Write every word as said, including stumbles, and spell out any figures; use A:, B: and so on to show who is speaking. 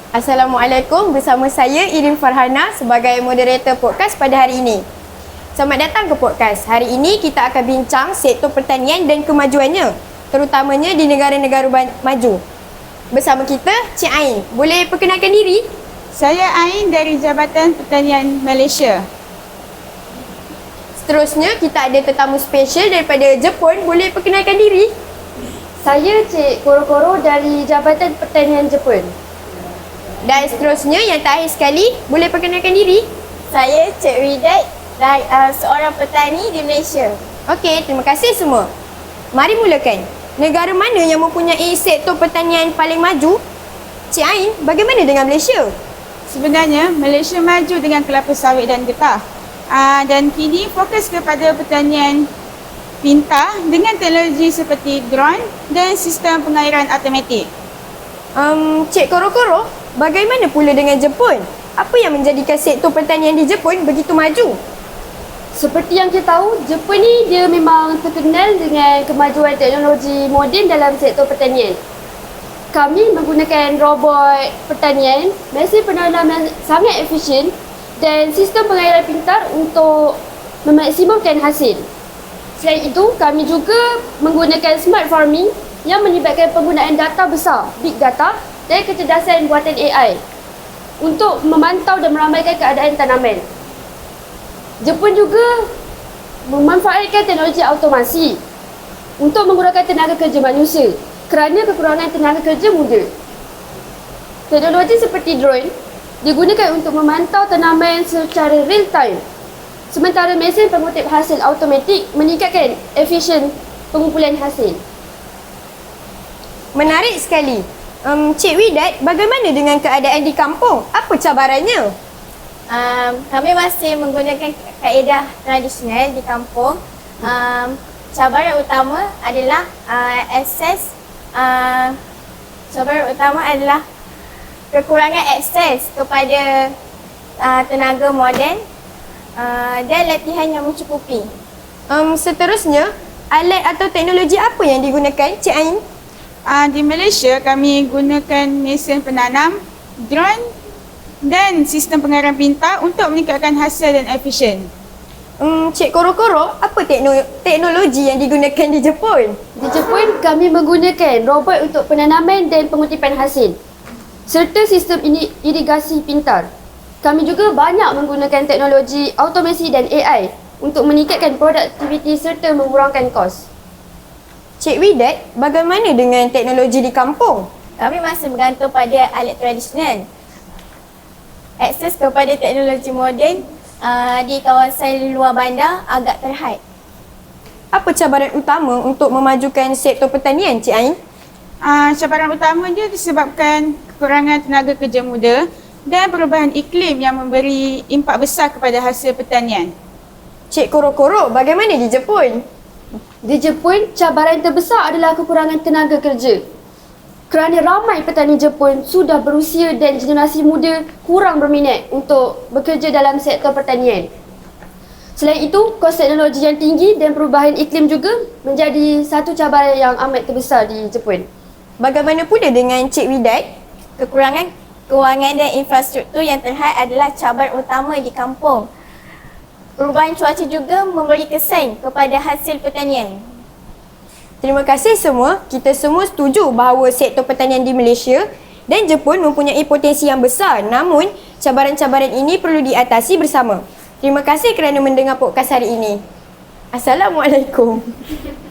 A: Assalamualaikum, bersama saya Irin Farhana sebagai moderator podcast pada hari ini. Selamat datang ke podcast. Hari ini kita akan bincang sektor pertanian dan kemajuannya, terutamanya di negara-negara maju. Bersama kita, Cik Ain. Boleh perkenalkan diri?
B: Saya Ain dari Jabatan Pertanian Malaysia.
A: Seterusnya, kita ada tetamu spesial daripada Jepun. Boleh perkenalkan diri?
C: Saya Cik Koro-Koro dari Jabatan Pertanian Jepun.
A: Dan seterusnya, yang terakhir sekali, boleh perkenalkan diri?
D: Saya Cik Widat, dan, uh, seorang petani di Malaysia.
A: Okey, terima kasih semua. Mari mulakan. Negara mana yang mempunyai sektor pertanian paling maju? Cik Ain, bagaimana dengan Malaysia?
B: Sebenarnya, Malaysia maju dengan kelapa sawit dan getah. Uh, dan kini fokus kepada pertanian pintar dengan teknologi seperti drone dan sistem pengairan automatik.
A: Um, Cik Koro-Koro, bagaimana pula dengan Jepun? Apa yang menjadikan sektor pertanian di Jepun begitu maju?
C: Seperti yang kita tahu, Jepun ni dia memang terkenal dengan kemajuan teknologi moden dalam sektor pertanian. Kami menggunakan robot pertanian, mesin penanam yang sangat efisien dan sistem pengairan pintar untuk memaksimumkan hasil. Selain itu, kami juga menggunakan smart farming yang melibatkan penggunaan data besar, big data dan kecerdasan buatan A I untuk memantau dan meramaikan keadaan tanaman. Jepun juga memanfaatkan teknologi automasi untuk mengurangkan tenaga kerja manusia kerana kekurangan tenaga kerja muda. Teknologi seperti drone digunakan untuk memantau tanaman secara real time, sementara mesin pengutip hasil automatik meningkatkan efisien pengumpulan hasil.
A: Menarik sekali. Um, Cik Widat, bagaimana dengan keadaan di kampung? Apa cabarannya?
D: Um, kami masih menggunakan kaedah tradisional di kampung. Um, cabaran utama adalah uh, akses. Uh, cabaran utama adalah kekurangan akses kepada uh, tenaga moden uh, dan latihan yang mencukupi.
A: Um, seterusnya, alat atau teknologi apa yang digunakan, Cik Ain?
B: Uh, di Malaysia, kami gunakan mesin penanam, drone dan sistem pengairan pintar untuk meningkatkan hasil dan efisien.
A: Um, Cik Koro-Koro, apa tekno- teknologi yang digunakan di Jepun?
C: Di Jepun, kami menggunakan robot untuk penanaman dan pengutipan hasil serta sistem irigasi pintar. Kami juga banyak menggunakan teknologi automasi dan A I untuk meningkatkan produktiviti serta mengurangkan kos.
A: Cik Widat, bagaimana dengan teknologi di kampung?
D: Kami masih bergantung pada alat tradisional. Akses kepada teknologi moden uh, di kawasan luar bandar agak terhad.
A: Apa cabaran utama untuk memajukan sektor pertanian, Cik Ain?
B: Uh, cabaran utama dia disebabkan kekurangan tenaga kerja muda dan perubahan iklim yang memberi impak besar kepada hasil pertanian.
A: Cik Koro-Koro, bagaimana di Jepun?
C: Di Jepun, cabaran terbesar adalah kekurangan tenaga kerja. Kerana ramai petani Jepun sudah berusia dan generasi muda kurang berminat untuk bekerja dalam sektor pertanian. Selain itu, kos teknologi yang tinggi dan perubahan iklim juga menjadi satu cabaran yang amat terbesar di Jepun.
A: Bagaimana pula dengan Cik Widat?
D: Kekurangan kewangan dan infrastruktur yang terhad adalah cabaran utama di kampung. Perubahan cuaca juga memberi kesan kepada hasil pertanian.
A: Terima kasih semua. Kita semua setuju bahawa sektor pertanian di Malaysia dan Jepun mempunyai potensi yang besar, namun cabaran-cabaran ini perlu diatasi bersama. Terima kasih kerana mendengar podcast hari ini. Assalamualaikum.